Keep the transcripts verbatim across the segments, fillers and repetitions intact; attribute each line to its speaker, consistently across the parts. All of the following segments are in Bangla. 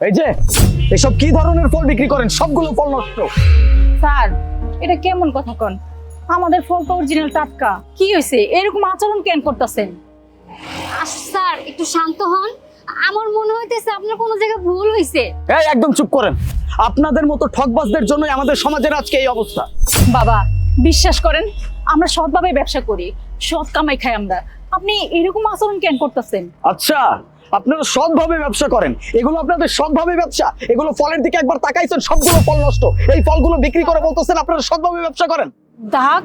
Speaker 1: এই যে এসব কি ধরনের ফল বিক্রি করেন? সবগুলো ফল নষ্ট।
Speaker 2: স্যার, এটা কেমন কথা কন? আমাদের ফল তো অরিজিনাল টাটকা। কি হয়েছে, এরকম আচরণ কেন করতেছেন?
Speaker 3: স্যার একটু শান্ত হন। আমার মনে হইতেছে আপনার কোনো জায়গায় ভুল হয়েছে।
Speaker 1: এই একদম চুপ করেন। আপনাদের মতো ঠকবাজদের জন্যই আমাদের সমাজের আজকে এই অবস্থা।
Speaker 2: বাবা, বিশ্বাস করেন, আমরা সৎভাবে ব্যবসা করি, সৎ কামাই খাই আমরা। আপনি এরকম আচরণ কেন করতেছেন?
Speaker 1: আচ্ছা, আপনারা সৎভাবে ব্যবসা করেন, এগুলো আপনাদের সৎভাবে ব্যবসা। এগুলো ফলের দিকে একবার তাকাইছেন, সবগুলো ফল নষ্ট। এই ফলগুলো বিক্রি করে বলতেছেন আপনারা সৎভাবে ব্যবসা করেন।
Speaker 2: দাগ?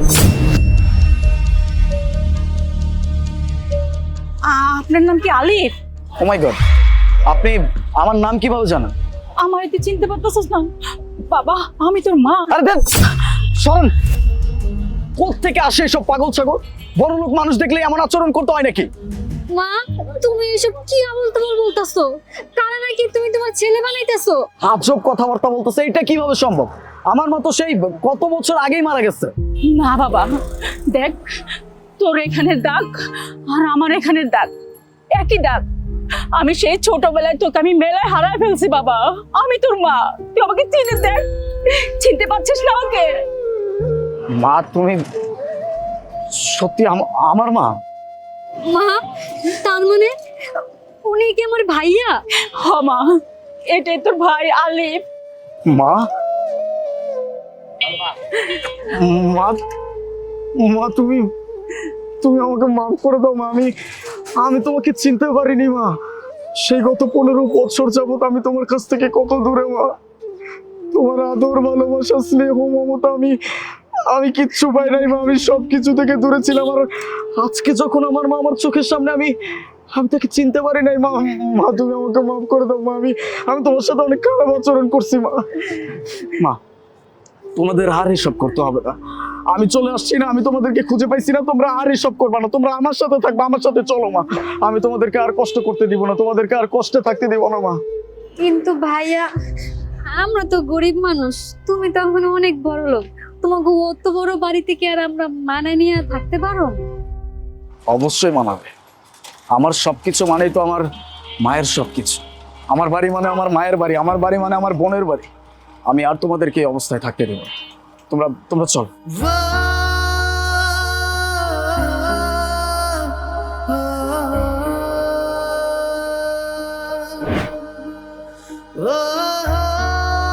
Speaker 2: আপনার নাম কি আলিফ?
Speaker 1: ও মাই গড, আপনি আমার নাম কিভাবে জানেন?
Speaker 2: আমার এতে চিনতে পারতেছিস না? বাবা, আমি তোর মা।
Speaker 1: আরে দেখ, সরেন। কোত্থেকে আসে এসব পাগল ছাগল? বড় লোক মানুষ দেখলে এমন আচরণ করতে হয় নাকি?
Speaker 3: মা, তুমি এসব কি আবল তাবল বলতাছো? কারণ নাকি তুমি তোমার ছেলে বানাইতেছো?
Speaker 1: আজব কথাবার্তা বলতেছে, এটা কিভাবে সম্ভব? আমার মতো সেই কত বছর আগেই মারা গেছে।
Speaker 2: না বাবা, দেখ, তোর এখানের দাগ আর আমার এখানের দাগ একই দাগ। আমি সেই ছোটবেলায় তোকে আমি মেলায় হারায় ফেলছি বাবা। আমি তোর মা, তুই আমাকে চিনে দেখ। চিনতে পারছিস না আমাকে?
Speaker 1: মা, তুমি সত্যি আম- আমার মা?
Speaker 3: মা, তার মানে উনি কি আমার ভাইয়া?
Speaker 2: হ মা, এটাই তোর ভাই আলিফ।
Speaker 1: মা, মা, মা, তুমি তুমি আমাকে মাফ করে দাও মা। আমি আমি তোমাকে চিনতে পারিনি মা। সেই গত পনেরো বছর যাবত আমি তোমার কাছ থেকে কত দূরে মা। তোমার আদর, ভালোবাসা, স্নেহ, মমতা আমি আমি কিচ্ছু পাই নাই মা। আমি সব কিছু থেকে দূরে ছিলাম। আর আজকে যখন আমার মা আমার চোখের সামনে, আমি আমি তাকে চিনতে পারি নাই মা। মা, তুমি আমাকে মাফ করে দাও মা। আমি আমি তোমার সাথে অনেক খারাপ আচরণ করছি মা। মা, তোমাদের আর এসব করতে হবে না। আমি চলে আসছি না, আমি তোমাদেরকে খুঁজে পাইছি না। তোমরা আর এসব করবা না, তোমরা আমার সাথে থাকবা, আমার সাথে চলো মা। আমি তোমাদেরকে আর কষ্ট করতে দিব না, তোমাদেরকে আর কষ্টে থাকতে দিব না মা।
Speaker 3: কিন্তু ভাইয়া, আমরা তো গরিব মানুষ, তুমি তো এখন অনেক বড় লোক। তোমাকে অত বড় বাড়ি থেকে আর আমরা মানায় নিয়ে থাকতে পারো?
Speaker 1: অবশ্যই মানাবে। আমার সবকিছু মানেই তো আমার মায়ের সবকিছু। আমার বাড়ি মানে আমার মায়ের বাড়ি, আমার বাড়ি মানে আমার বোনের বাড়ি। আমি আর তোমাদেরকে এই অবস্থায় থাকতে দেব না। তোমরা তোমরা চল।